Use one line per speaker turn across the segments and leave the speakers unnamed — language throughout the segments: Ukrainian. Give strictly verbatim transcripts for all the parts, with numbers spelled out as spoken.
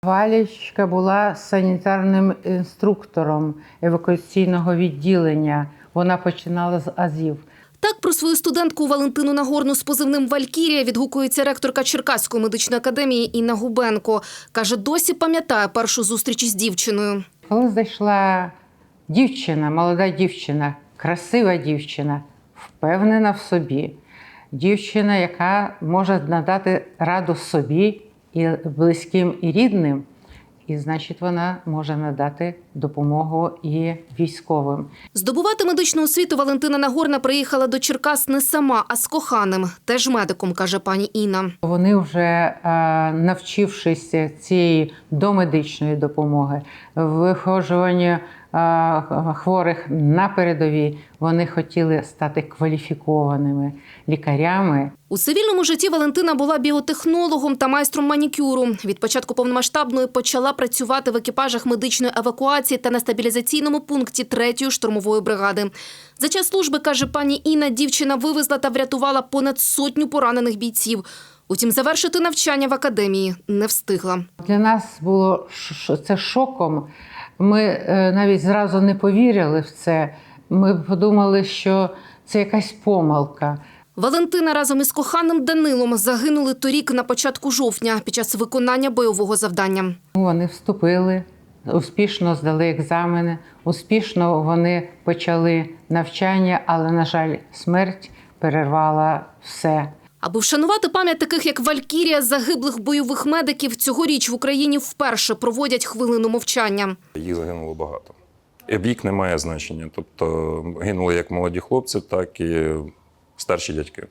Валічка була санітарним інструктором евакуаційного відділення. Вона починала з азів.
Так про свою студентку Валентину Нагорну з позивним «Валькірія» відгукується ректорка Черкаської медичної академії Інна Губенко. Каже, досі пам'ятає першу зустріч із дівчиною.
Коли зайшла дівчина, молода дівчина, красива дівчина, впевнена в собі, дівчина, яка може надати раду собі і близьким, і рідним, і, значить, вона може надати допомогу і військовим.
Здобувати медичну освіту Валентина Нагорна приїхала до Черкас не сама, а з коханим, теж медиком, каже пані Інна.
Вони вже, навчившись цієї домедичної допомоги, виходжуванню хворих на передовій, вони хотіли стати кваліфікованими лікарями.
У цивільному житті Валентина була біотехнологом та майстром манікюру. Від початку повномасштабної почала працювати в екіпажах медичної евакуації та на стабілізаційному пункті третьої штурмової бригади. За час служби, каже пані Інна, дівчина вивезла та врятувала понад сотню поранених бійців. Утім, завершити навчання в академії не встигла.
Для нас було це шоком. Ми навіть зразу не повірили в це. Ми подумали, що це якась помилка.
Валентина разом із коханим Данилом загинули торік на початку жовтня під час виконання бойового завдання.
Вони вступили, успішно здали екзамени, успішно вони почали навчання, але, на жаль, смерть перервала все.
Аби вшанувати пам'ять таких, як Валькірія, загиблих бойових медиків, цьогоріч в Україні вперше проводять хвилину мовчання.
Їх загинуло багато. І вік не має значення. Тобто гинули як молоді хлопці, так і старші дядьки.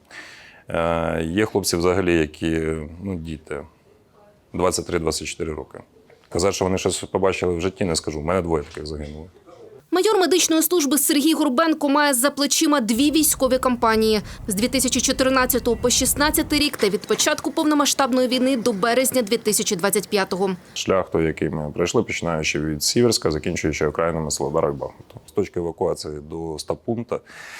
Є хлопці взагалі, які, ну, діти, двадцять три - двадцять чотири роки. Казати, що вони щось побачили в житті, не скажу. У мене двоє таких загинуло.
Майор медичної служби Сергій Горбенко має за плечима дві військові кампанії. З дві тисячі чотирнадцятого по шістнадцятий рік та від початку повномасштабної війни до березня дві тисячі двадцять п'ятого.
Шлях той, який ми пройшли, починаючи від Сіверська, закінчуючи окраїнами Солодара і Бахмуту. З точки евакуації до стаб-пункту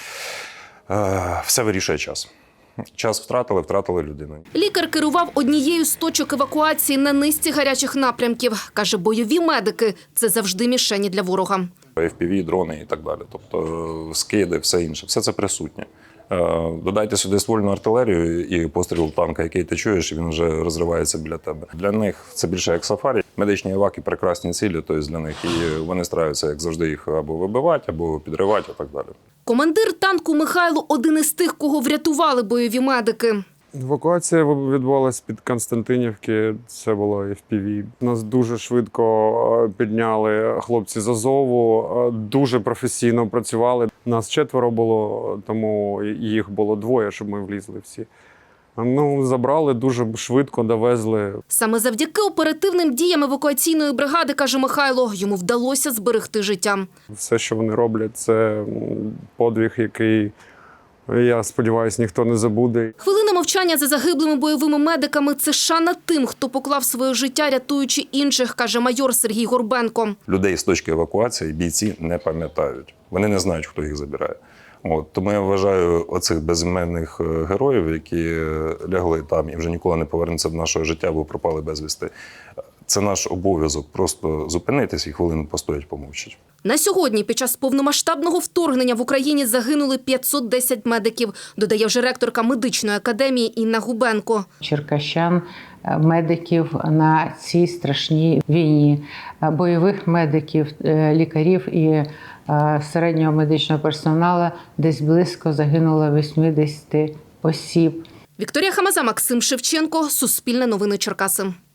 все вирішує час. Час втратили, втратили людину.
Лікар керував однією з точок евакуації на низці гарячих напрямків. Каже, бойові медики – це завжди мішені для ворога.
еф пі ві, дрони і так далі. Тобто скиди, все інше. Все це присутнє. Додайте сюди ствольну артилерію і постріл танка, який ти чуєш, він вже розривається біля тебе. Для них це більше як сафарі. Медичні еваки – прекрасні цілі, тобто для них. І вони стараються, як завжди, їх або вибивати, або підривати, і так далі.
Командир танку Михайло – один із тих, кого врятували бойові медики.
Евакуація відбувалась під Константинівки, це було еф пі ві. Нас дуже швидко підняли хлопці з Азову, дуже професійно працювали. Нас четверо було, тому їх було двоє, щоб ми влізли всі. Ну, забрали, дуже швидко довезли.
Саме завдяки оперативним діям евакуаційної бригади, каже Михайло, йому вдалося зберегти життя.
Все, що вони роблять, це подвиг, який, я сподіваюся, ніхто не забуде.
Хвилина мовчання за загиблими бойовими медиками – це шана тим, хто поклав своє життя, рятуючи інших, каже майор Сергій Горбенко.
Людей з точки евакуації бійці не пам'ятають. Вони не знають, хто їх забирає. От, тому я вважаю оцих безіменних героїв, які лягли там і вже ніколи не повернуться до нашого життя, бо пропали безвісти. Це наш обов'язок просто зупинитись і хвилину постоять, помовчать.
На сьогодні під час повномасштабного вторгнення в Україні загинули п'ятсот десять медиків, додає вже ректорка медичної академії Інна Губенко.
Черкащан, медиків на цій страшній війні, бойових медиків, лікарів і середнього медичного персоналу десь близько загинуло вісімдесят осіб.
Вікторія Хамаза, Максим Шевченко, Суспільне новини Черкаси.